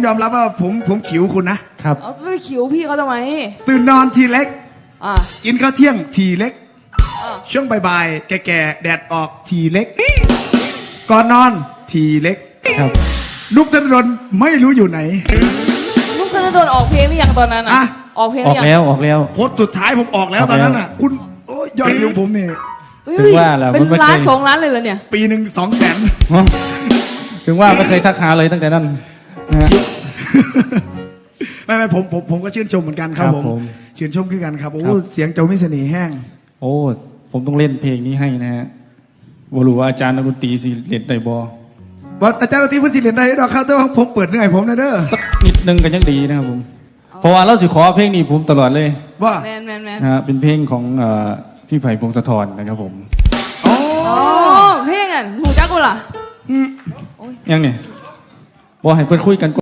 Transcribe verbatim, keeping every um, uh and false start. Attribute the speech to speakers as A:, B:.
A: ยอมรับว่าผมผมขิวคุณนะครับ
B: เอาไปขิวพี่เขาทำไม
A: ตื่นนอนทีเล็ก
B: อ่า
A: กินข้าวเที่ยงทีเล็ก
B: อ่า
A: ช่วงบ่ายๆแก่ๆแดดออกทีเล็ก ก่อนนอนทีเล็ก
C: ครับ
A: นุกธนดลไม่รู้อยู่ไหน
B: ลูกธนดลออกเพลงหรือยังตอนนั้น
A: อ่ะ
B: อ่ะออกเพลงห
C: อ
B: รือ ยัง
C: อกแล้วออกแล้ว
A: โพสต์สุดท้ายผมออกแล้ว
C: ออก
A: ตอนนั้น
C: แล้ว
A: อ่ะ คุณโอ้ยยอดวิวผมนี่
B: เฮ้ย
C: ถึงว่าแหละ
B: เป็น
C: มันไม่
B: ล้าน
C: เคย
B: สองล้านเลยเหรอเนี่ย
A: ปีหนึ่งสองแสน
C: ถึงว่าไม่เคยทักหาเลยตั้งแต่นั้นนะฮะ
A: ไม่ไม่ผมผมผมก็ชื่นชมเหมือนกันครับ
C: ครับ
A: ผม
C: ผม
A: ชื่นชมขึ้นกันครับโอ้
C: ครับ
A: เสียงเจ้ามิเสน่ห์แห้ง
C: โอ้ผมต้องเล่นเพลงนี้ให้นะฮะบรู้ว่าอาจารย์นักดนตรีสิเล่นได้บ่
A: ว่าอาจารย์ดนตรีพื้นที่เรียนได้ดอกครับแต่ว่าผมเปิดเหนื่อยผมนะเด้อ
C: สักนิดนึงก็ยังดีนะครับผมเพราะว่าเราสิขอเพลงนี้ผมตลอดเลย
A: ว่า
B: แมนแมนแมน
C: นะฮะเป็นเพลงของเอ่อพี่ไผ่พงศธรนะครับผม
A: โอ้
B: อ๋อเพลงอ่ะหูจักกูล่ะ
C: ยังเนี่ยบอกให้เพื่อนคุยกัน